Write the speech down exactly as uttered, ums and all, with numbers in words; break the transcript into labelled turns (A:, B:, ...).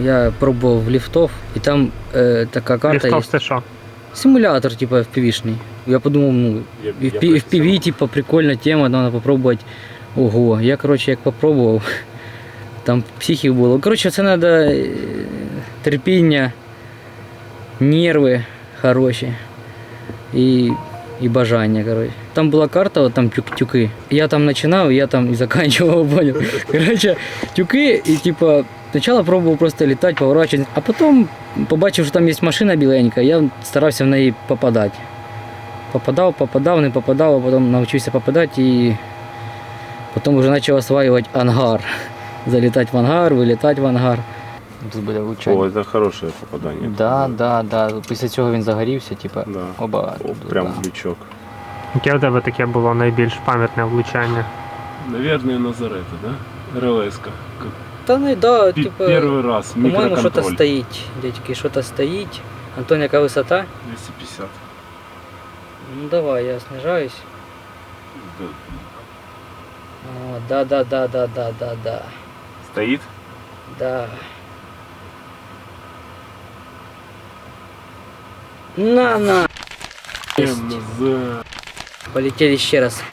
A: я пробовал лифтов, и там э, такая карта
B: Ліфтов
A: есть.
B: це що?
A: Симулятор, типа, эф пи ви-шный. Я подумал, ну,
C: Я- я
A: эф пи ви, типа, прикольная тема, надо попробовать. Ого, я, короче, як попробовал, там психів було. Короче, це надо е, терпіння, нерви хороші і, і бажання, короче. Там була карта, вот там тюк, тюки. Я там починав, я там і заканчивал, понял. Короче, тюки, і типа, спочатку пробував просто літати, поворачувати, а потім побачив, що там є машина біленька, я старався в неї попадати. Попадав, попадав, не попадав, а потім навчився попадати і потім вже почав осваювати ангар. Залітати в ангар, вилітати в ангар. Тут буде влучання.
C: О, це хороше попадання.
A: Да, да, да. Після цього він загорівся, типа,
C: Да.
A: оба.
C: О, прям в лючок.
B: Яке у тебе таке було найбільш пам'ятне влучання?
C: Наверное, Назарета, да? РЛС-ка. Как
A: Та ну да,
C: пи-
A: типа,
C: Первый раз,
A: по-моєму, що-то
C: микроконтроль.
A: стоїть, дядьки, що-то стоїть. Антон, яка висота?
C: двести пятьдесят.
A: Ну давай, я снижаюсь.
C: Да.
A: О, да, да, да, да, да, да, да.
C: Стоит?
A: Да. На, на.
C: МЗ.
A: Полетели ще раз.